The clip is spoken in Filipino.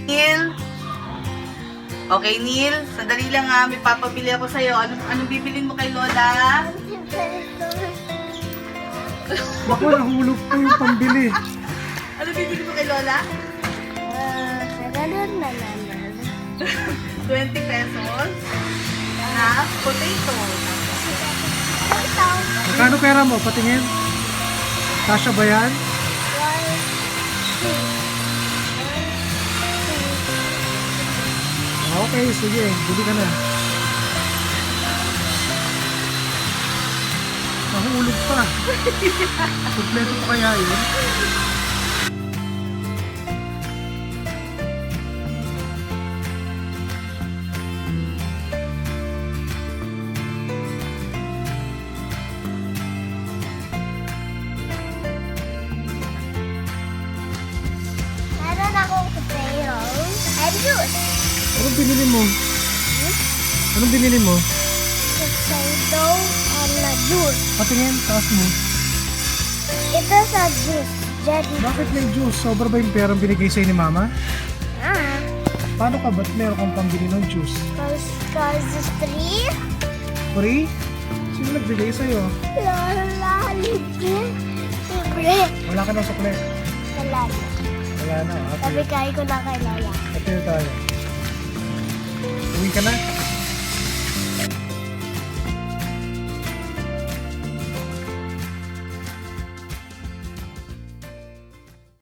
Neil? Okay, Neil? Sandali lang ha. May papabili ako sa'yo. Anong bibilin mo kay Lola? Baka nahulog pa yung pambili. Ano bibili mo kay Lola? Ganun na naman. 20 pesos na potato. Ito. Magkano pera mo? Patingin. Kasya ba yan? Okay, sige. Bili ka na. Nahulog pa. Kompleto pa kaya yun? Meron akong potato and juice. Anong binili mo? Anong binili mo? Potato and juice. Patingin, taas mo. Ito sa juice. Jelly. Bakit may juice? Sobra ba yung perang binigay sa'yo ni Mama? Ah. Paano ka? Ba't meron kang pambili ng juice? Cause it's free. Free? Sino nagbigay sa'yo? Lola, libre. Wala ka ng sukle. Wala na. Wala na. Sabi kaya ko na kay Lola. Ito tayo. Uwi ka na?